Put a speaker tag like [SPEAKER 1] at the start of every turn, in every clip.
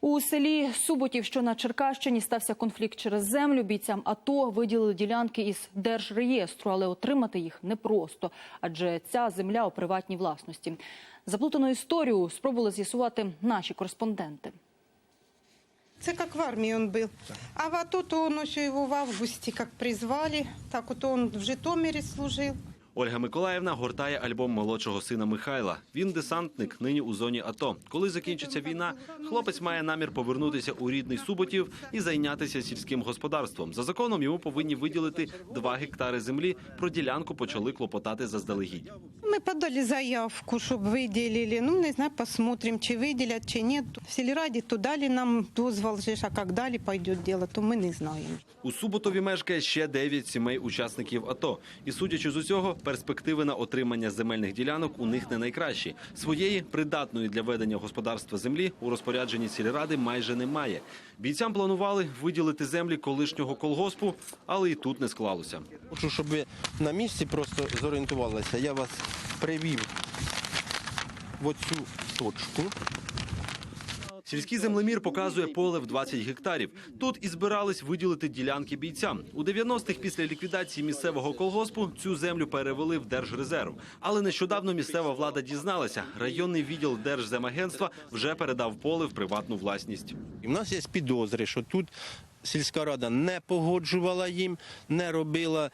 [SPEAKER 1] У селі Суботів, що на Черкащині, стався конфлікт через землю. Бійцям АТО виділили ділянки із Держреєстру, але отримати їх непросто, адже ця земля у приватній власності. Заплутану історію спробували з'ясувати наші кореспонденти.
[SPEAKER 2] Это как в армии он был. А в АТО то он еще его в августе как призвали. Так вот он в Житомире служил.
[SPEAKER 3] Ольга Миколаївна гортає альбом молодшого сина Михайла. Він десантник, нині у зоні АТО. Коли закінчиться війна, хлопець має намір повернутися у рідний Суботів і зайнятися сільським господарством. За законом йому повинні виділити 2 гектари землі. Про ділянку почали клопотати заздалегідь.
[SPEAKER 2] Мы подали заявку, чтобы выделили. Ну, не знаю, посмотрим, чи выделят, чи нет. В сельраді то дали нам дозвол, а как дали пойдет дело, то мы не знаем.
[SPEAKER 3] У Суботові мешкає ще 9 сімей учасників АТО. І судячи з усього, перспективи на отримання земельних ділянок у них не найкращі. Своєї, придатної для ведення господарства землі, у розпорядженні сільради майже немає. Бійцям планували виділити землі колишнього колгоспу, але і тут не склалося.
[SPEAKER 4] Хочу, щоб ви на місці просто зорієнтувалися. Я вас привів в оцю точку.
[SPEAKER 3] Сільський землемір показує поле в 20 гектарів. Тут і збирались виділити ділянки бійцям. У 90-х після ліквідації місцевого колгоспу цю землю перевели в Держрезерв. Але нещодавно місцева влада дізналася, районний відділ Держземагентства вже передав поле в приватну власність.
[SPEAKER 4] І в нас є підозри, що тут сільська рада не погоджувала їм, не робила,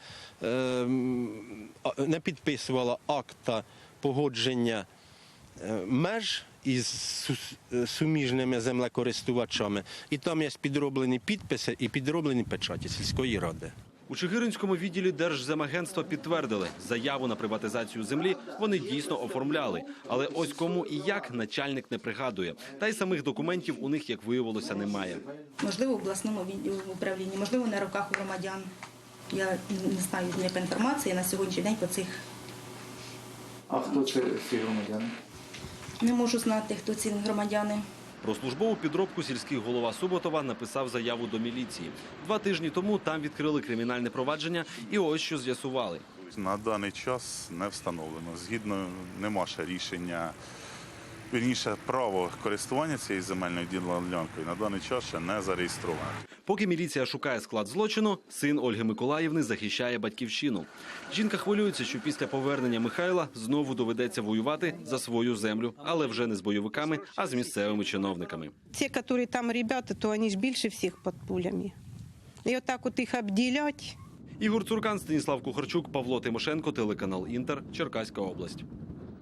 [SPEAKER 4] не підписувала акта погодження меж із суміжними землекористувачами. І там є підроблені підписи і підроблені печаті сільської ради.
[SPEAKER 3] У Чигиринському відділі Держземагентства підтвердили, заяву на приватизацію землі вони дійсно оформляли. Але ось кому і як начальник не пригадує. Та й самих документів у них, як виявилося, немає.
[SPEAKER 5] Можливо, в обласному управлінні, можливо, на руках у громадян. Я не знаю ніяка інформація на сьогоднішній день по цих.
[SPEAKER 6] А хто це ці громадяни?
[SPEAKER 5] Не можу знати, хто ці громадяни.
[SPEAKER 3] Про службову підробку сільський голова Суботова написав заяву до міліції. 2 тижні тому там відкрили кримінальне провадження і ось що з'ясували.
[SPEAKER 7] На даний час не встановлено. Згідно нема ще рішення, вірніше, право користування цією земельною ділянкою на даний час ще не зареєстровано.
[SPEAKER 3] Поки міліція шукає склад злочину, син Ольги Миколаївни захищає батьківщину. Жінка хвилюється, що після повернення Михайла знову доведеться воювати за свою землю, але вже не з бойовиками, а з місцевими чиновниками.
[SPEAKER 2] Те, которые там ребята, то они ж більше всіх під пулями. І отак от їх обділять.
[SPEAKER 3] Ігор Цуркан, Станіслав Кухарчук, Павло Тимошенко, телеканал «Інтер», Черкаська область.